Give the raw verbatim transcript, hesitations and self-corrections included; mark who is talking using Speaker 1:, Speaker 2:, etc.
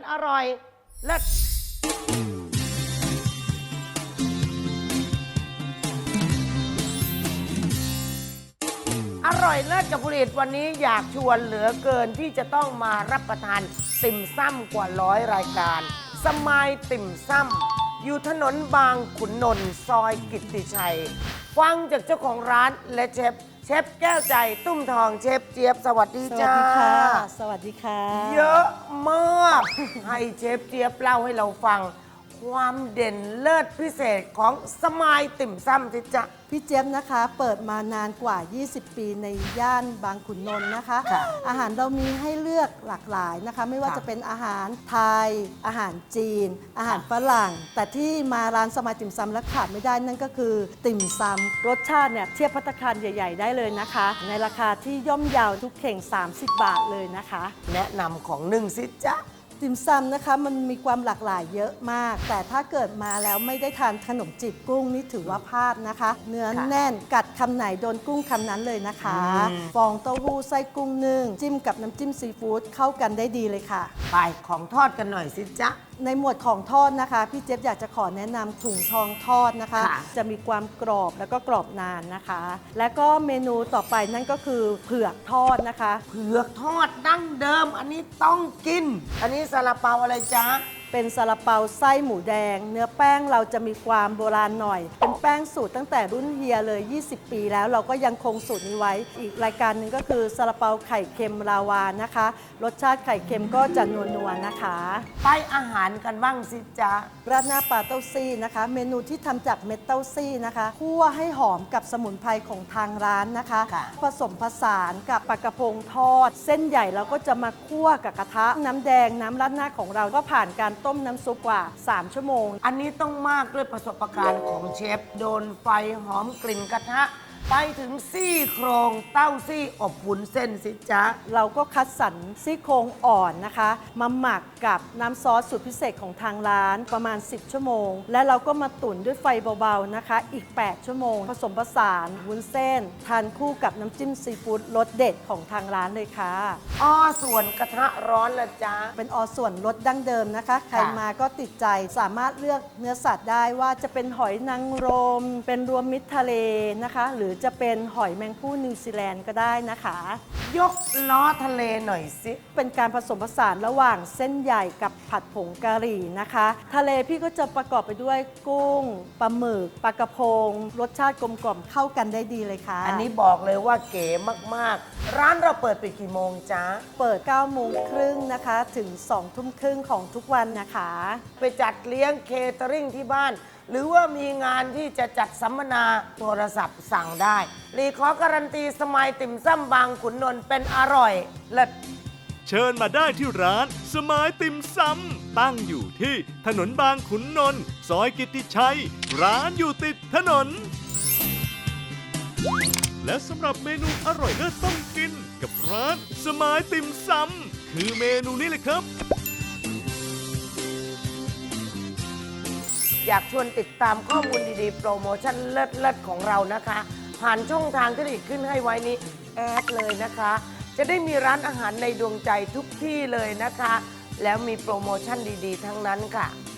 Speaker 1: อร่อยเลิศอร่อยเลิศกับผลิตวันนี้อยากชวนเหลือเกินที่จะต้องมารับประทานติ่มซ้ำกว่าร้อยรายการสมายติ่มซ้ำอยู่ถนนบางขุนนนท์ซอยกิตติชัยฟังจากเจ้าของร้านและเชฟเชฟแก้วใจตุ้มทองเชฟเจี๊ยบสวัสดีจ้า
Speaker 2: สวัสดีค่ะสวัสดีค่ะ
Speaker 1: เยอะมากให้เชฟเจี๊ยบเล่าให้เราฟังความเด่นเลิศพิเศษของสมายติ่มซ้ำสิจ๊ะ
Speaker 2: พี่เจี๊ยบนะคะเปิดมานานกว่า ยี่สิบ ปีในย่านบางขุนนนท์นะคะอาหารเรามีให้เลือกหลากหลายนะคะไม่ว่าจะเป็นอาหารไทยอาหารจีน อาหารฝรั่งแต่ที่มาร้านสมายติ่มซ้ำและขาดไม่ได้นั่นก็คือติ่มซ้ำรสชาติเนี่ยเทียบภัตตาคารใหญ่ ๆ ได้เลยนะคะในราคาที่ย่อมเยาวทุกเข่งสามสิบบาทเลยนะคะ
Speaker 1: แนะนำของหนึ่งสิจ๊ะ
Speaker 2: ติ่มซำนะคะมันมีความหลากหลายเยอะมากแต่ถ้าเกิดมาแล้วไม่ได้ทานขนมจีบกุ้งนี่ถือว่าพลาดนะคะ เนื้อแน่นกัดคำไหนโดนกุ้งคำนั้นเลยนะคะฟองเต้าหู้ไส้กุ้งนึ่งจิ้มกับน้ำจิ้มซีฟู้ดเข้ากันได้ดีเลยค่ะ
Speaker 1: ไปของทอดกันหน่อยสิจ๊ะ
Speaker 2: ในหมวดของทอดนะคะพี่เจี๊ยบอยากจะขอแนะนำถุงทองทอดนะคะจะมีความกรอบแล้วก็กรอบนานนะคะ และก็เมนูต่อไปนั่นก็คือเผือกทอดนะคะ
Speaker 1: เผือกทอดดั้งเดิมอันนี้ต้องกินอันนี้ซาลาเปาอะไรจ๊ะ
Speaker 2: เป็นซาลาเปาไส้หมูแดงเนื้อแป้งเราจะมีความโบราณหน่อยเป็นแป้งสูตรตั้งแต่รุ่นเฮียเลยยี่สิบปีแล้วเราก็ยังคงสูตรนี้ไว้อีกรายการหนึ่งก็คือซาลาเปาไข่เค็มลาวานะคะรสชาติไข่เค็มก็จะนัวๆนะคะ
Speaker 1: ไปอาหารกันบ้างสิจ๊ะ
Speaker 2: ราดหน้าปลาเต้าซี่นะคะเมนูที่ทำจากเม็ดเต้าซี่นะคะคั่วให้หอมกับสมุนไพรของทางร้านนะคะผสมผสานกับปลากระพงทอดเส้นใหญ่เราก็จะมาคั่วกับกระทะน้ำแดงน้ำราดหน้าของเราก็ผ่านการต้มน้ำซุปกว่าสามชั่วโมง
Speaker 1: อันนี้ต้องมากด้วยประสบการณ์ของเชฟโดนไฟหอมกลิ่นกระทะไปถึงซี่โครงเต้าซี่อบวุ้นเส้นสิจ๊ะ
Speaker 2: เราก็คัดสรรซี่โครงอ่อนนะคะมาหมักกับน้ำซอสสูตรพิเศษของทางร้านประมาณสิบชั่วโมงและเราก็มาตุ๋นด้วยไฟเบาๆนะคะอีกแปดชั่วโมงผสมผสานวุ้นเส้นทานคู่กับน้ำจิ้มซีฟู้ดรสเด็ดของทางร้านเลยค่ะ
Speaker 1: อ้อส่วนกระทะร้อนละจ๊ะ
Speaker 2: เป็นออส่วนรสดั้งเดิมนะคะใครมาก็ติดใจสามารถเลือกเนื้อสัตว์ได้ว่าจะเป็นหอยนางรมเป็นรวมมิตรทะเลนะคะหรือจะเป็นหอยแมงผู้นิวซีแลนด์ก็ได้นะคะ
Speaker 1: ยกล้อทะเลหน่อยสิ
Speaker 2: เป็นการผสมผสานระหว่างเส้นใหญ่กับผัดผงกะหรี่นะคะทะเลพี่ก็จะประกอบไปด้วยกุ้งปลาหมึกปลากระพงรสชาติกลมกล่อมเข้ากันได้ดีเลยค่ะ
Speaker 1: อันนี้บอกเลยว่าเก๋มากๆร้านเราเปิดปิดกี่โมงจ๊ะ
Speaker 2: เปิดเก้าโมงครึ่งนะคะถึงสองทุ่มครึ่งของทุกวันนะคะ
Speaker 1: ไปจัดเลี้ยงเคเตอริงที่บ้านหรือว่ามีงานที่จะจัดสัมมนาโทรศัพท์สั่งได้รีขอการันตีสมัยติ่มซ้ำบางขุนนนท์เป็นอร่อยเลิศ
Speaker 3: เชิญมาได้ที่ร้านสมายติ่มซ้ำตั้งอยู่ที่ถนนบางขุนนนท์ซอยกิตติชัยร้านอยู่ติดถนนและสำหรับเมนูอร่อยเลิศต้องกินกับร้านสมายติ่มซ้ำคือเมนูนี้เลยครับ
Speaker 1: อยากชวนติดตามข้อมูลดีๆโปรโมชั่นเลิศๆของเรานะคะผ่านช่องทางที่ได้ขึ้นให้ไว้นี้แอดเลยนะคะจะได้มีร้านอาหารในดวงใจทุกที่เลยนะคะแล้วมีโปรโมชั่นดีๆทั้งนั้นค่ะ